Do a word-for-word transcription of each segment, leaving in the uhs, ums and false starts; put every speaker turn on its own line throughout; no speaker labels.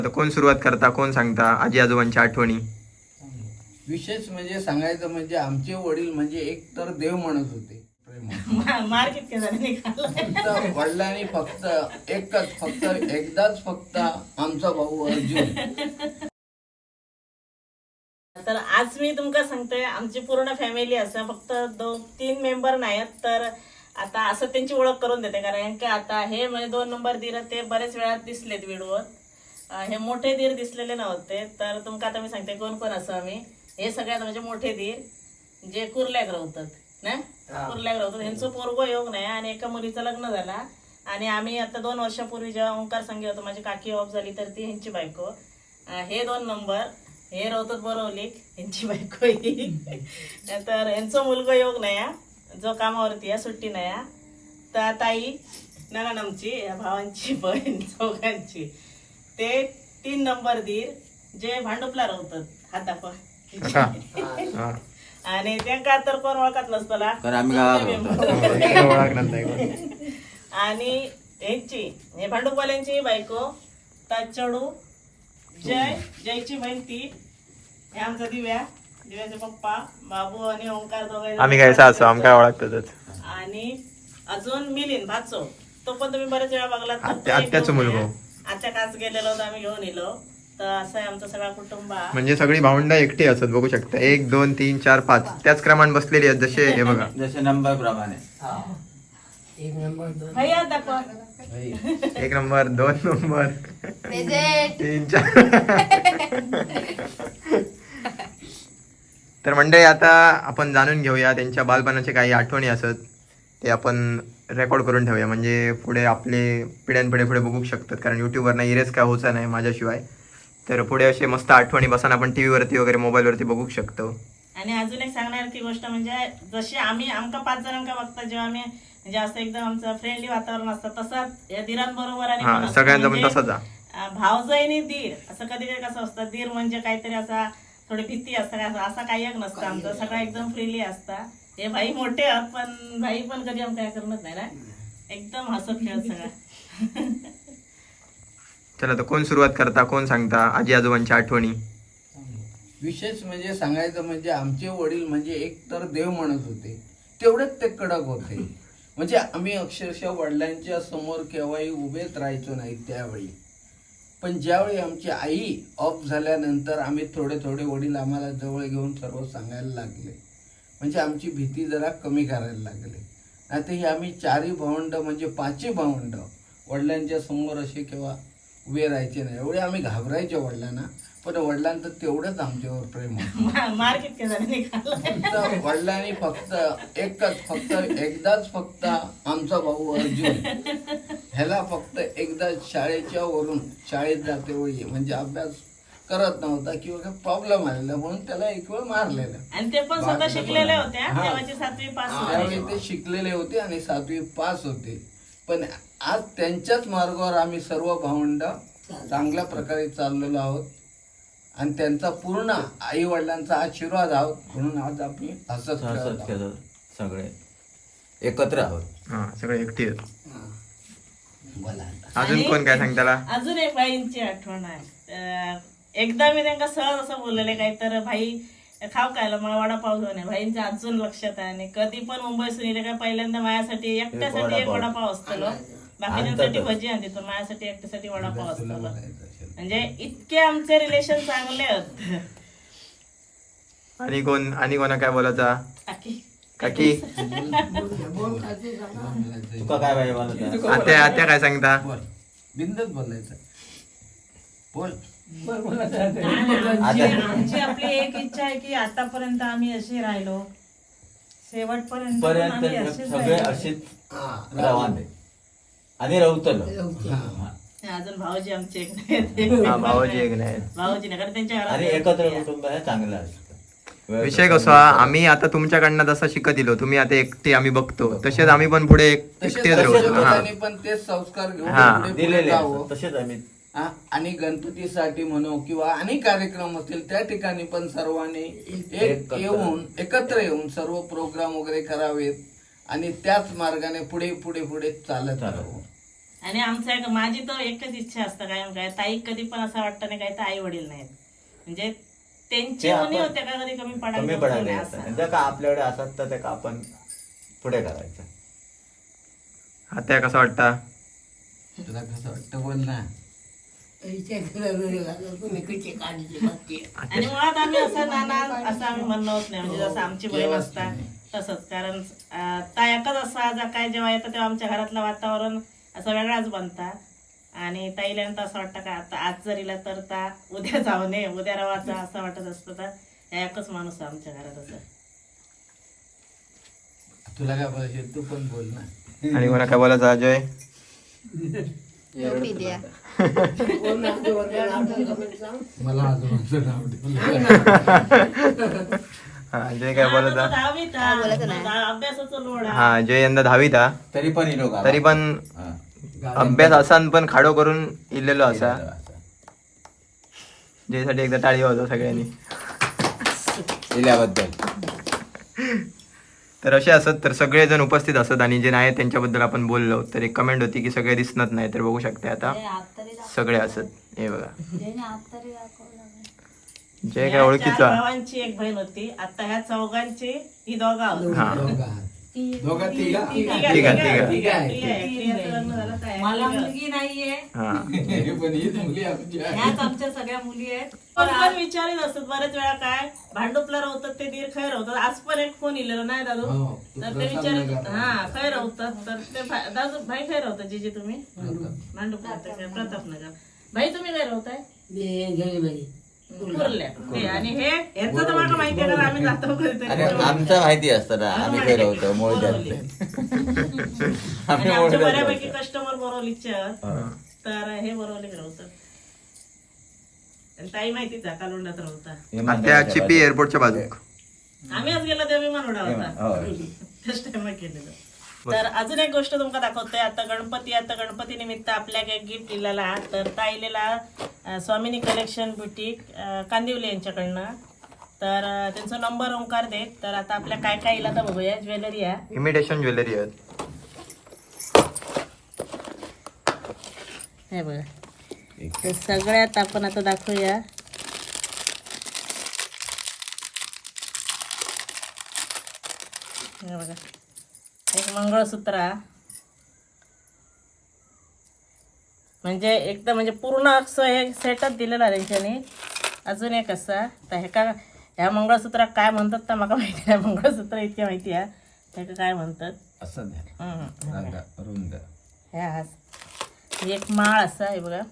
आता कोण सुरुवात करता, कोण सांगता आजी आजोबांच्या आठवणी?
विशेष म्हणजे सांगायचं म्हणजे आमचे वडील म्हणजे एक तर देव म्हणत होते.
मार कितके झाले
फक्त वडिलांनी फक्त एकच फक्त एकदाच फक्त आमचा भाऊ अर्जुन.
तर आज मी तुमका सांगते आमची पूर्ण फॅमिली असा फक्त दोन तीन मेंबर नाहीत. तर आता असं त्यांची ओळख करून देते कारण की आता हे म्हणजे दोन नंबर दीर ते बरेच वेळा दिसलेत व्हिडिओवर. हे मोठे दीर दिसलेले नव्हते. तर तुमका आता मी सांगते कोण कोण असं आम्ही हे सगळ्यात म्हणजे मोठे दीर जे कुर्ल्याक राहतात ना, कुर्ल्याक राहतात. यांचं पोरगो योग नाही आणि एका मुलीचं लग्न झाला. आणि आम्ही आता दोन वर्षापूर्वी जेव्हा ओंकार संगी होतो माझी काकी ऑफ झाली तर ती ह्यांची बायको. हे दोन नंबर हे राहतात बोरवली यांची बायको ही. तर यांचं मुलगा योग नाही जो कामावरती आहे, सुट्टी नाही. तर ताई ननन आमची या भावांची बहीण चौघांची ते तीन नंबर दीर जे भांडुपला राहतात हातापा. आणि त्यांना तर कोण ओळखत नसतला आणि यांची हे भांडुपवाल्यांची बायको ताचडू जय जयची बहीण ती हे आमचा दिव्या दिव्याचे पप्पा बाबू आणि ओंकार दोघे
आम्ही काय असो आमका ओळखतातच.
आणि अजून मिलिंद भाचो तो पण तुम्ही बरेच वेळा बघला.
आत्याचं मुलगा
आत्या काच गेलेलो होतो आम्ही घेऊन येलो. तर असं आहे आमचं सगळा कुटुंब.
म्हणजे सगळी भावंड एकटी असत बघू शकता. एक दोन तीन चार पाच त्याच क्रमाने बसलेली आहेत जसे हे बघा
जसे नंबर प्रमाणे.
भैया दाखवा
एक नंबर दोन नंबर तीन चार. तर मंडळी आता आपण जाणून घेऊया त्यांच्या बालपणाचे काही आठवणी असत ते आपण रेकॉर्ड करून ठेवूया म्हणजे पुढे आपले पिढ्यानपिढे पुढे बघू शकतात. कारण युट्यूबवरनं इरेज काय होचा नाही माझ्याशिवाय. तर पुढे असे मस्त आठवणी बसून आपण टी व्हीवरती वगैरे मोबाईलवरती बघू शकतो.
आणि अजून एक सांगण्याची गोष्ट म्हणजे जशी आम्ही आमका पाच जणांका बघता जेव्हा आम्ही म्हणजे असं एकदम आमचं फ्रेंडली वातावरण असतं तसंच या दिरांबरोबर आणि पण असतं.
सगळ्यांचा पण
म्हणजे,
तसाच
अं, भावजाईनी दीर असं कधी कधी कसं असतं दीर म्हणजे काहीतरी असा थोडी भीती असतं असं असं काही एक नसतं. आमचं सगळं एकदम फ्रीली असतं. हे भाई मोठे आहात पण भाई पण कधी आम काय करत नाही ना एकदम हसत खेळत सगळं.
चला तर कोण सुरुवात करता, कोण सांगता आजी आजोबांच्या आठवणी?
विशेष म्हणजे सांगायचं म्हणजे आमचे वडील म्हणजे एक तर देव म्हणत होते. तेवढेच ते कडक होते. म्हणजे आम्ही अक्षरशः वडिलांच्या समोर केव्हाही उभेच राहायचो नाही त्यावेळी. पण ज्यावेळी आमची आई ऑफ झाल्यानंतर आम्ही थोडे थोडे वडील आम्हाला जवळ घेऊन सर्व सांगायला लागले. म्हणजे आमची भीती जरा कमी करायला लागली. आता ही आम्ही चारही भावंड म्हणजे पाचही भावंड वडिलांच्या समोर असे केव्हा उभे राहायचे नाही. एवढे आम्ही घाबरायचे वडिलांना. पण वडिलांचं तेवढंच आमच्यावर प्रेम होतं.
मार कितके झाले
फक्त वडिलांनी फक्त एकच फक्त एकदाच फक्त आमचा भाऊ अर्जुन ह्याला फक्त एकदा शाळेच्या वरून शाळेत जाते वेळी म्हणजे अभ्यास करत नव्हता किंवा काही प्रॉब्लेम आलेला म्हणून त्याला एक वेळ मारलेला.
आणि ते पण स्वतः शिकलेले होते. तेव्हाची सातवी पास
त्यावेळी ते शिकलेले होते आणि सातवी पास होते. पण आज त्यांच्याच मार्गावर आम्ही सर्व भावंड चांगल्या प्रकारे चाललेलो आहोत आणि त्यांचा पूर्ण आई वडिलांचा आशीर्वाद आहोत म्हणून आज आम्ही हसत
हसत खेळत सगळे एकत्र आहोत.
हा सगळे एकटी आहेत.
बोला.
अजून कोण काय सांगताला?
अजून एक बाईंची आठवण आहे. एकदा मी त्यांना सहज असं बोललेले काही तर भाई खाव खायला मला वडापाव घेऊन आहे. भाईंच्या अजून लक्षात आहे. आणि कधी पण मुंबईतून येले काय पहिल्यांदा माझ्यासाठी एकट्यासाठी एक वडापाव असतो. बाकीच्यांसाठी भजी आणते तर माझ्यासाठी एकट्यासाठी वडापाव असतो. म्हणजे इतके आमचे रिलेशन चांगले आहेत.
आणि कोण आणि कोणा काय बोलायचा?
काकी
काकी
तुका काय पाहिजे मला?
आत्या आत्या काय सांगता?
बोल बिंदच बोलायचं. बोल.
आमची आमची आपली एक इच्छा आहे की आतापर्यंत आम्ही असे राहिलो शेवटपर्यंत पण आम्ही
पर्यंत
असेच
सगळे
राहिलो.
अशीच राहते आणि रवतलो.
अजून भाऊजी आमचे एक नाही.
हा भावाजी एक नाही.
भाऊजी नाही कारण त्यांच्या
आणि
घरात
एकत्र कुटुंब हे चांगलं असतं.
विषय कसा आम्ही आता तुमच्याकडनं जसं शिकत दिलो तुम्ही आता एकटे आम्ही बघतो तसेच आम्ही पण पुढे एक- एकटेच राहू शकतो. हा
लोकांनी पण तेच संस्कार घेऊन
हा.
पुढे पुढे
दिलेले
जावं.
असतात. तसेच आम्ही
हा, आणि गणपतीसाठी म्हणू किंवा अनेक कार्यक्रम असतील त्या ठिकाणी पण सर्वांनी एक
एकत्र.
येऊन एकत्र येऊन सर्व प्रोग्राम वगैरे करावेत आणि त्याच मार्गाने पुढे पुढे पुढे चालत राहावं.
आणि आमचं एक माझी तर एकच इच्छा असतं काय काय ताई कधी पण असं वाटतं नाही काय तर आई वडील नाहीत म्हणजे त्यांची
ते
उणी
आपण
होते का कधी कमी
कमी
पडायला
पडायला
असं.
येतं जर का आपल्याकडे असत तर ते का आपण पुढे करायचं.
आता कसं वाटतं?
तुला कसं वाटतं बोल ना.
आणि मुळात आम्ही असं नाना असं आम्ही म्हणणं होत नाही म्हणजे जसं आमची बहीण असतात तसंच कारण अं, ता एकच असा जा काय जेव्हा येतं तेव्हा आमच्या घरातलं वातावरण असं वेगळाच बनता आणि ताईला नंतर असं वाटतं का आता आज जर इला तर ता उद्या जाऊ नये उद्या रवाचा असं वाटत असतं तर ह्या एकच माणूस आहे आमच्या घरात असं.
तुला काय बोलायचं तू पण बोल ना.
आणि कोणा काय बोलायचं अजय?
मला आजोबांचं नाव ठेवलं.
हा अजय काय बोलत
आता तो दहावीत आहे. दहा- अभ्यासाचं लोड आहे.
हा अजय यंदा दहावीत हा
तरी पण इलो का
तरी पण अभ्यास असान पण खाडो करून इलेलो असा ज्यासाठी एकदा टाळी होतो सगळ्यांनी.
इल्याबद्दल
तर असे असत तर सगळेजण उपस्थित असत आणि जे नाही त्यांच्याबद्दल आपण बोललो तर एक कमेंट होती की सगळे दिसत नाही तर बघू शकते आता सगळे असत हे बघा जे काय
या
ओळखीचा
चार भावांची एक बहीण होती आता ह्या चौघांची ही दोघा होती.
हा
दोघा तिघा
तिघा-
तिघा-
तिघा-
तिघा.
तिघा आहे. तिघाचं लग्न झालं तर आहे.
मला
तिघा.
मुलगी नाहीये,
हा
पण ही मुली आमची आहे.
ह्याच आमच्या सगळ्या मुली आहेत.
पण पण विचारित असतात बरेच वेळा काय भांडुपला राहतात ते दीर खैर होतात. आज पण एक फोन इलेलो नाही दादू
हो, तू
तर ते
प्रसाद
विचारित
नगर.
हा खैर होतात तर ते भा- दादू भाई खैर होतात जिजे तुम्ही भांडुपला प्रतापनगर भाई तुम्ही खैर होताय कुर्ल्या हे आणि हे यांचं तर मला माहिती आहे कारण आम्ही जातो
आणि
कधीतरी
आमचं माहिती असतं ना आम्ही काही होतो मोळ
बोरवली. आणि आमचे बऱ्यापैकी कस्टमर बोरवलीचे आहेत. तर हे बोरवली राहतात आणि ताई माहितीच आहे कालुंडात राहता
त्या चिपी एअरपोर्टच्या बाजूक
आम्ही आज गेलो तेव्हा विमान उडा होता फर्स्ट टाइम केलेलं. तर अजून एक गोष्ट तुमका दाखवतोय आता गणपती आता गणपती निमित्त आपल्या एक गिफ्ट दिलेला हा. तर ताईलेला अं, स्वामिनी कलेक्शन बुटीक अं, कांदिवली यांच्याकडनं तर अं, त्यांचा नंबर ओंकार देत तर आता आपल्या काय काय इला तर बघूया ज्वेलरी आहे
इमिटेशन ज्वेलरी आहेत.
हे बघा तर सगळ्यात आपण आता दाखवूया हे बघा एक मंगळसूत्र हा. म्हणजे एकदम म्हणजे पूर्ण असं हे सेटच दिलेला त्यांच्यानी. अजून एक असा तर हे का ह्या मंगळसूत्राक काय म्हणतात तर मला माहिती नाही मंगळसूत्र इतके माहिती आहे ह्याका काय म्हणतात
असं नाही.
हम्म.
रंगा, रुंद
ह्या हास ही एक माळ असा आहे बघा.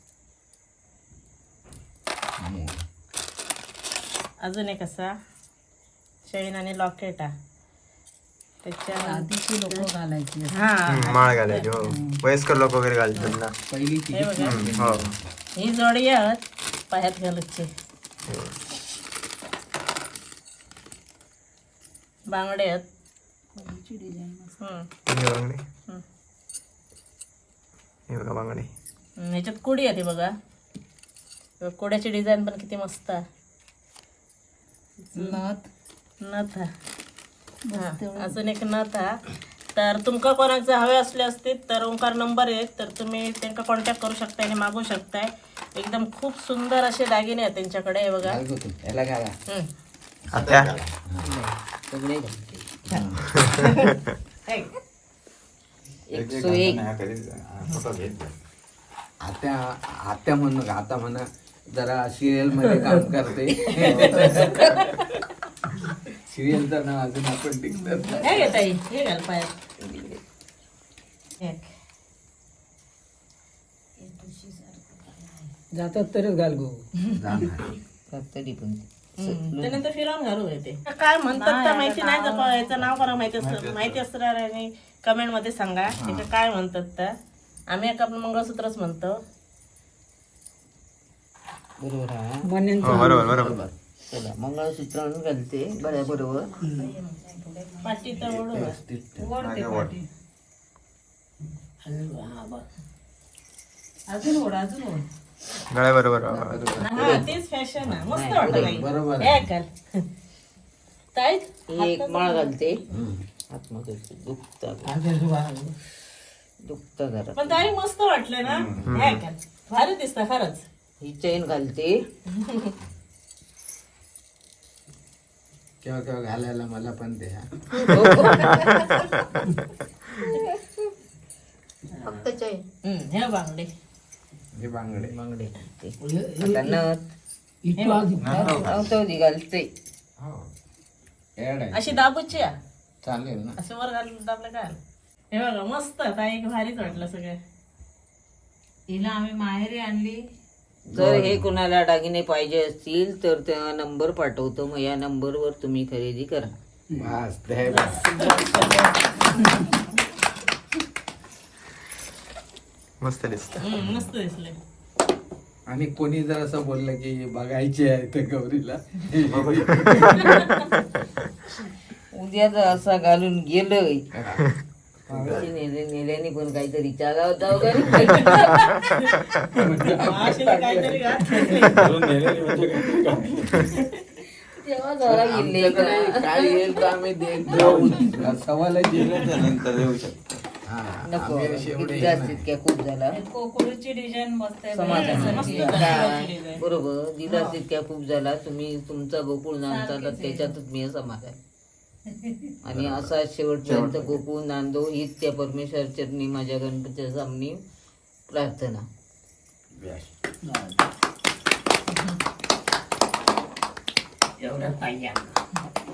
अजून एक असा चैन आणि लॉकेट हा त्याच्या
आधीची लोक घालायची.
हा
हम्म, माळ घालायची हो वयस्कर लोक वगैरे घालतात ना.
पहिली
हे बघा
हम्म, हो
ही जोडी आहेत पायात घालूचे बांगडे आहेत. हम्म.
हे बांगडे
हम्म.
हे बघा बांगडे
हम्म, ह्याच्यात कुडी आहे ती बघा बघ, कुड्याची डिझाईन पण किती मस्त आहे.
नथ
नथ हा. हा, अजून एक नथ हा. तर तुमका कोणाचे हवे असले असतील तर ओंकार नंबर आहे तर तुम्ही त्यांना कॉन्टॅक्ट करू शकता आणि मागू शकताय. एकदम खूप सुंदर असे दागिने आहेत त्यांच्याकडे हे बघा.
याला काय
हम्म.
आता
हे.
आता आता म्हणू आता म्हणा जरा सिरियल मध्ये काम करते. सिरियलचं नाव अजून आपण टिकतात.
हे घे ताई हे घाल पायात. एक.
जातात तरच घाल गो.
हम्म, त्यानंतर फिरवून घालू येते काय म्हणतात तर माहिती नाही जपा याचं नाव करा माहिती असतं माहिती असणार आणि कमेंट मध्ये सांगा त्याचं काय म्हणतात तर आम्ही एक आपण मंगळसूत्रच म्हणतो.
बरोबर आहे.
हो बरोबर बरोबर
मंगळसूत्र घालते बऱ्या बरोबर.
पाटी तर ओढू
ओढते पाठी. अजून ओढ अजून ओढ.
गळ्या बरोबर
हा तेच फॅशन आहे मस्त वाटत नाही
बरोबर
हे घाल ताई
एक माळ घालते आतमध्ये दुखतात दुखतं जरा
पण ताई मस्त वाटलं ना हे का? भारी दिसतं खरंच.
ही चेन घालते
केव्हा केव्हा घालायला मला पण द्या.
फक्त चेन
हम्म, हे बांगडे
हे बांगडे
बांगडे घालते आता नथ नव्हतं ती घालते
ऍड आहे.
अशी दाबूची आहे.
चालेल ना.
असं वर घालून दाबलं काय हे बघा मस्त ताई भारीच वाटलं सगळं.
हिला आम्ही माहेरी आणली.
जर हे कुणाला दागिने पाहिजे असतील तर त्या नंबर पाठवतो मग या नंबरवर तुम्ही खरेदी करा.
बस द्या बस.
मस्त दिसत.
हम्म, मस्त दिसले.
आणि कोणी जर असं बोललं की बघायचे आहे तर गौरीला
उद्या जर असा घालून गेलोय नेले नेल्याने पण काहीतरी चाला होता
मावशीने काहीतरी घातलं.
तेव्हा जरा गेले
आमच्याकडे काय येईल तर आम्ही देत जाऊ. सवाल
नंतर येऊ शकतो.
नको जास्तीत काय खूप झाला
कोकुळची डिझाईन मस्त आहे.
समाधानाची
मस्त
काय?
झाली.
बरोबर दिला तितक्या खूप झाला तुम्ही तुमचा गोकुळ नांदता तर त्याच्यातच मी समाधान आणि असा शेवटपर्यंत गोकुळ नांदो हीच त्या परमेश्वर चरणी माझ्या गणपतीच्या सामनी प्रार्थना.
एवढं पाहिजे.